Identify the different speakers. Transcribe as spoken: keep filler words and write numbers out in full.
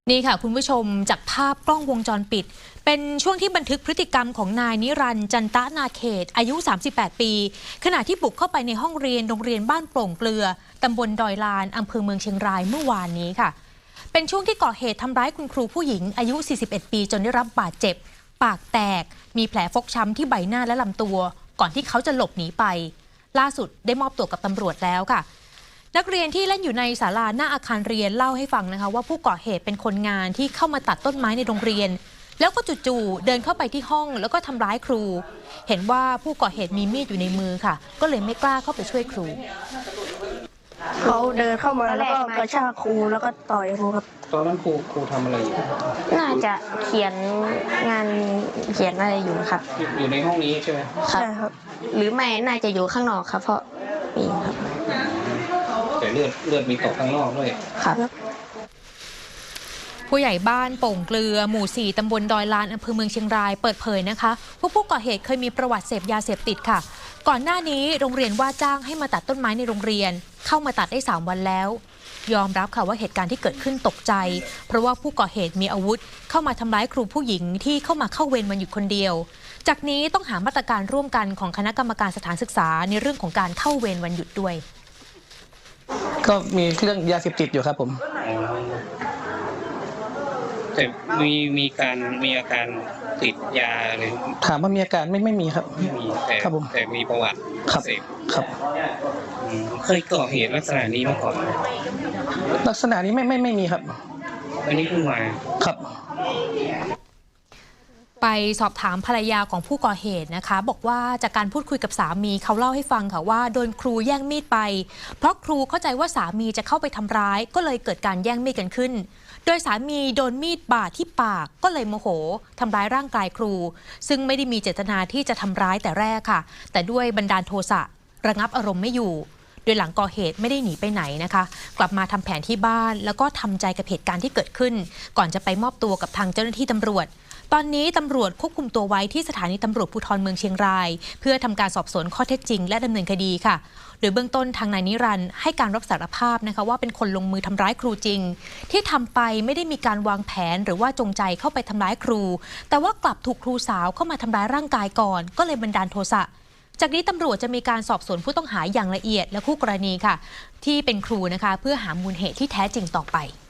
Speaker 1: นี่ค่ะคุณผู้ชมจากภาพกล้องวงจรปิดเป็นช่วงที่บันทึกพฤติกรรมของนายนิรันดร์จันตะนาเขตอายุสามสิบแปดปีขณะที่บุกเข้าไปในห้องเรียนโรงเรียนบ้านโป่งเกลือตำบลดอยลานอำเภอเมืองเชียงรายเมื่อวานนี้ค่ะเป็นช่วงที่ก่อเหตุทำร้ายคุณครูผู้หญิงอายุสี่สิบเอ็ดปีจนได้รับบาดเจ็บปากแตกมีแผลฟกช้ำที่ใบหน้าและลำตัวก่อนที่เขาจะหลบหนีไปล่าสุดได้มอบตัวกับตำรวจแล้วค่ะนักเรียนที่เล่นอยู่ในศาลาหน้าอาคารเรียนเล่าให้ฟังนะคะว่าผู้ก่อเหตุเป็นคนงานที่เข้ามาตัดต้นไม้ในโรงเรียนแล้วก็จู่ๆเดินเข้าไปที่ห้องแล้วก็ทำร้ายครูเห็นว่าผู้ก่อเหตุมีมีดอยู่ในมือค่ะก็เลยไม่กล้าเข้าไปช่วยครู
Speaker 2: เขาเดินเข้ามาแล้วก็กระชากครูแล้วก็ต่อยครูครับ
Speaker 3: ตอนนั้นครูครูทำอะไรอยู่
Speaker 2: น่าจะเขียนงานเขียนอะไรอยู่ครับ
Speaker 3: อยู่ในห้องนี้ใช่ไหม
Speaker 2: ใช่ครับหรือไม่น่าจะอยู่ข้างนอกครับเพราะมีครับ
Speaker 3: แต่เลือดเลือดมีตกข้างนอกด้วย
Speaker 2: ครับ
Speaker 1: ผู้ใหญ่บ้านโป่งเกลือหมู่สี่ตำบลดอยลานอำเภอเมืองเชียงรายเปิดเผยนะคะว่าผู้ก่อเหตุเคยมีประวัติเสพยาเสพติดค่ะก่อนหน้านี้โรงเรียนว่าจ้างให้มาตัดต้นไม้ในโรงเรียนเข้ามาตัดได้สามวันแล้วยอมรับค่ะว่าเหตุการณ์ที่เกิดขึ้นตกใจเพราะว่าผู้ก่อเหตุมีอาวุธเข้ามาทำร้ายครูผู้หญิงที่เข้ามาเข้าเวรวันหยุดคนเดียวจากนี้ต้องหามาตรการร่วมกันของคณะกรรมการสถานศึกษาในเรื่องของการเข้าเวรวันหยุดด้วย
Speaker 4: ก็มีเรื่องยาเสพติดอยู่ครับผม
Speaker 3: แต่มีมีการมีอาการติดยาหรือ
Speaker 4: ถามว่ามีอาการไม่ไม่มีครับ
Speaker 3: ไม่มีแต่
Speaker 4: ครับผม
Speaker 3: แต่มีประวัติ
Speaker 4: ครับครับ
Speaker 3: เคยก่อเหตุลักษณะนี้มาก่อน
Speaker 4: ลักษณะนี้ไม่ไม่ไม่มีครับ
Speaker 3: อันนี้เพิ่งมา
Speaker 4: ครับ
Speaker 1: ไปสอบถามภรรยาของผู้ก่อเหตุนะคะบอกว่าจากการพูดคุยกับสามีเขาเล่าให้ฟังค่ะว่าโดนครูแย่งมีดไปเพราะครูเข้าใจว่าสามีจะเข้าไปทำร้ายก็เลยเกิดการแย่งมีดกันขึ้นโดยสามีโดนมีดบาดที่ปากก็เลยโมโหทำร้ายร่างกายครูซึ่งไม่ได้มีเจตนาที่จะทำร้ายแต่แรกค่ะแต่ด้วยบันดาลโทสะระงับอารมณ์ไม่อยู่โดยหลังก่อเหตุไม่ได้หนีไปไหนนะคะกลับมาทำแผนที่บ้านแล้วก็ทำใจกับเหตุการณ์ที่เกิดขึ้นก่อนจะไปมอบตัวกับทางเจ้าหน้าที่ตำรวจตอนนี้ตำรวจควบคุมตัวไว้ที่สถานีตำรวจภูธรเมืองเชียงรายเพื่อทำการสอบสวนข้อเท็จจริงและดำเนินคดีค่ะโดยเบื้องต้นทางนายนิรันดร์ให้การรับสารภาพนะคะว่าเป็นคนลงมือทำร้ายครูจริงที่ทำไปไม่ได้มีการวางแผนหรือว่าจงใจเข้าไปทำร้ายครูแต่ว่ากลับถูกครูสาวเข้ามาทำร้ายร่างกายก่อนก็เลยบันดาลโทสะจากนี้ตำรวจจะมีการสอบสวนผู้ต้องหาอย่างละเอียดและคู่กรณีค่ะที่เป็นครูนะคะเพื่อหามูลเหตุที่แท้จริงต่อไป